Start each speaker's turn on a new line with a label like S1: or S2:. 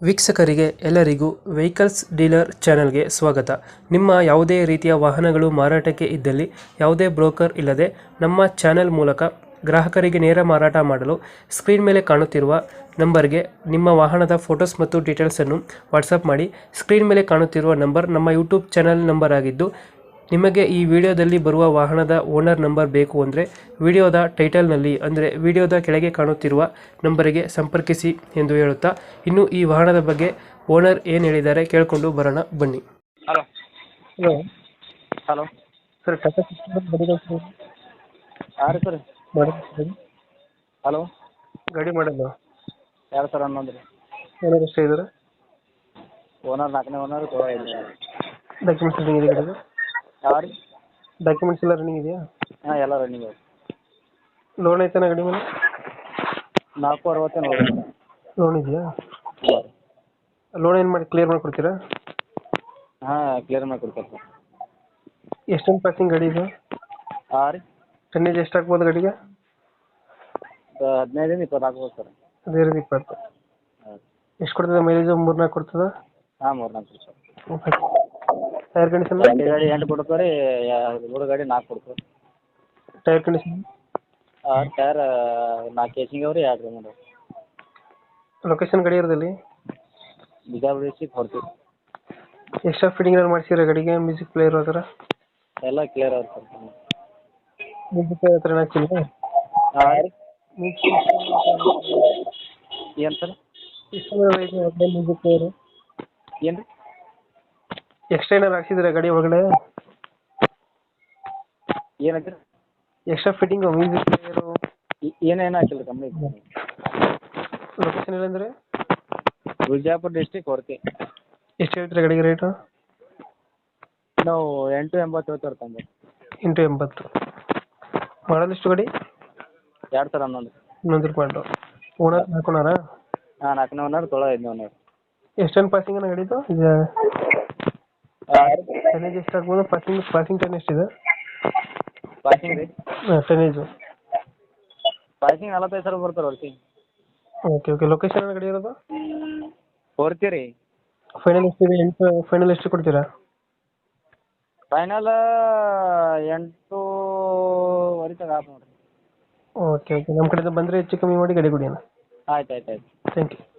S1: ವೀಕ್ಷಕರಿಗೆ ಎಲ್ಲರಿಗೂ vehicles dealer ಚಾನೆಲ್ಗೆ ಸ್ವಾಗತ. ನಿಮ್ಮ ಯಾವುದೇ ರೀತಿಯ ವಾಹನಗಳು ಮಾರಾಟಕ್ಕೆ ಇದ್ದಲ್ಲಿ ಯಾವುದೇ ಬ್ರೋಕರ್ ಇಲ್ಲದೆ ನಮ್ಮ ಚಾನೆಲ್ ಮೂಲಕ ಗ್ರಾಹಕರಿಗೆ ನೇರ ಮಾರಾಟ ಮಾಡಲು ಸ್ಕ್ರೀನ್ ಮೇಲೆ ಕಾಣುತ್ತಿರುವ ನಂಬರ್ಗೆ ನಿಮ್ಮ ವಾಹನದ ಫೋಟೋಸ್ ಮತ್ತು ಡೀಟೇಲ್ಸನ್ನು ವಾಟ್ಸಪ್ ಮಾಡಿ. ಸ್ಕ್ರೀನ್ ಮೇಲೆ ಕಾಣುತ್ತಿರುವ ನಂಬರ್ ನಮ್ಮ ಯೂಟ್ಯೂಬ್ ಚಾನೆಲ್ ನಂಬರ್ ಆಗಿದ್ದು, ನಿಮಗೆ ಈ ವಿಡಿಯೋದಲ್ಲಿ ಬರುವ ವಾಹನದ ಓನರ್ ನಂಬರ್ ಬೇಕು ಅಂದರೆ ವಿಡಿಯೋದ ಟೈಟಲ್ನಲ್ಲಿ ಅಂದರೆ ವಿಡಿಯೋದ ಕೆಳಗೆ ಕಾಣುತ್ತಿರುವ ನಂಬರಿಗೆ ಸಂಪರ್ಕಿಸಿ ಎಂದು ಹೇಳುತ್ತಾ, ಇನ್ನು ಈ ವಾಹನದ ಬಗ್ಗೆ ಓನರ್ ಏನು ಹೇಳಿದ್ದಾರೆ ಕೇಳಿಕೊಂಡು ಬರೋಣ ಬನ್ನಿ.
S2: Hello
S1: hello
S2: hello
S1: sir, Tata sixty
S2: ಯಾರು ಸರ್? ಹಲೋ
S1: ಗಾಡಿ ಮಾಡಲ್ಲ
S2: 2011 ರೀ.
S1: ಓನರ್ ಎಷ್ಟೇ ಇದ್ದಾರೆ?
S2: ಓನರ್ 4ನೇ ಓನರ್.
S1: ಡಾಕ್ಯುಮೆಂಟ್ಸ್ ರನ್ನಿಂಗ್ ಇದೆ ಗಾಡಿಗೆ?
S2: ಯಾವ ರೀ?
S1: ಡಾಕ್ಯುಮೆಂಟ್ಸ್ ಎಲ್ಲ ರನ್ನಿಂಗ್ ಇದೆಯಾ?
S2: ಹಾಂ, ಎಲ್ಲ ರನ್ನಿಂಗ್ ಇದೆ.
S1: ಲೋನ್ ಐತಾನ ಗಾಡಿ ಮೇಲೆ?
S2: 460 ನೋಡಿ.
S1: ಲೋನ್ ಇದೆಯಾ? ಲೋನ್ ಏನು ಮಾಡಿ ಕ್ಲಿಯರ್ ಮಾಡಿಕೊಡ್ತೀರಾ?
S2: ಹಾಂ, ಕ್ಲಿಯರ್ ಮಾಡಿ ಕೊಡ್ತಾರೆ ಸರ್.
S1: ಎಷ್ಟೊಂದು ಪಾಸಿಂಗ್ ಗಾಡಿ ಇದು?
S2: ಹಾಂ ರೀ,
S1: ಟನ್ನೇಜ್ ಎಷ್ಟು ಆಗ್ಬೋದು ಗಾಡಿಗೆ?
S2: 15 20 ಆಗ್ಬೋದು ಸರ್.
S1: 15-20.
S2: ಹಾಂ
S1: ಎಷ್ಟು ಕೊಡ್ತದೆ ಮೈಲೇಜ್? 3-4 ಕೊಡ್ತದ?
S2: ಹಾಂ, 3-4 ಸರ್.
S1: Tyre condition?
S2: ಗಾಡಿ 8 ಕೊಡ್ತಾರೆ, 3 ಗಾಡಿ 4 ಕೊಡ್ತಾರೆ.
S1: Tyre condition?
S2: ಟೈರ್ 4 ಕೇಸಿಂಗ್ ಅವ್ರಿ, 2 ರೀ ಮಾಡೋದು.
S1: ಲೊಕೇಶನ್ ಗಾಡಿ ಇರೋದಲ್ಲಿ?
S2: ಬಿಜಾಪುರ ಡಿಸ್ಟಿಕ್ ಹೊರ್ತೀವಿ.
S1: ಎಕ್ಸ್ಟ್ರಾ ಫಿಟ್ಟಿಂಗ್ ಏನಾದ್ರು ಮಾಡ್ಸಿರೋ ಗಾಡಿಗೆ? ಮ್ಯೂಸಿಕ್ ಪ್ಲೇಯರ್ ಆ ಥರ?
S2: ಎಲ್ಲ ಕ್ಲಿಯರ್ ಅವ್ರಿ ಸರ್.
S1: ಮ್ಯೂಸಿಕ್ ಪ್ಲೇಯರ್ ಹತ್ರ ಏನಾಗ್ತಿಲ್ಲ?
S2: ಹಾಂ ರೀ, ಏನು ಸರ್?
S1: ಮ್ಯೂಸಿಕ್ ಪ್ಲೇಯರು
S2: ಏನು ರೀ?
S1: ಎಕ್ಸ್ಟ್ರಾ ಏನಾದ್ರು ಹಾಕ್ಸಿದ್ರೆ ಗಾಡಿ ಒಳಗಡೆ?
S2: ಏನೈತೆ?
S1: ಎಕ್ಸ್ಟ್ರಾ ಫಿಟ್ಟಿಂಗು ಮ್ಯೂಸಿಕ್ ಪ್ಲೇಯರು
S2: ಏನೇನು ಹಾಕಿಲ್ಲ ಕಂಪ್ನಿ.
S1: ಲೊಕೇಶನ್ ಏನಂದರೆ?
S2: ಬಿಜಾಪುರ ಡಿಸ್ಟಿಕ್ ಹೊರ್ತಿ.
S1: ಎಷ್ಟು ಹೇಳ್ತೀರಾ ಗಾಡಿಗೆ ರೇಟು?
S2: ನಾವು 880 ಹೇಳ್ತಾರೆ.
S1: 880. ಮಾಡಲ್ ಎಷ್ಟು ಗಾಡಿ?
S2: 2011.
S1: 11 ಮಾಡಲು. ಓನರ್ ಹಾಕೋಣಾರ?
S2: ಹಾಂ, 4ನೇ ಓನರ್, 5ನೇ ಓನರ್.
S1: ಎಷ್ಟೊಂದು ಪಾಸಿಂಗ್ ಅನ್ನ ಗಾಡಿದು? ಈಗ ಟನ್ನೇಜ್ ಎಷ್ಟು ಆಗ್ಬೋದು? ಪಾಸಿಂಗ್ ಟನ್ ಎಷ್ಟಿದೆ?
S2: ಪಾಸಿಂಗ್ ರೀ?
S1: ಹಾಂ, ಟನ್ನೇಜು.
S2: ಪಾಸಿಂಗ್ 45 ಸಾವಿರ ಬರ್ತಾರೆ ಹೊರ್ತಿ.
S1: Okay okay. ಲೊಕೇಶನ್ ಗಾಡಿ ಇರೋದು?
S2: ಹೊರ್ತಿ ರೀ.
S1: ಫೈನಲ್ ಎಷ್ಟಿದೆ? ಫೈನಲ್ ಎಷ್ಟು ಕೊಡ್ತೀರಾ?
S2: ಫೈನಲ್ 8:20 ತನಕ ಆಯ್ತು ನೋಡಿರಿ.
S1: Okay okay. ನಮ್ಮ ಕಡೆಯಿಂದ ಬಂದರೆ ಹೆಚ್ಚು ಕಮ್ಮಿ ಮಾಡಿ ಗಾಡಿ ಕೊಡಿ ಅಣ್ಣ.
S2: ಆಯ್ತು ಆಯ್ತು ಆಯ್ತು.
S1: Thank you.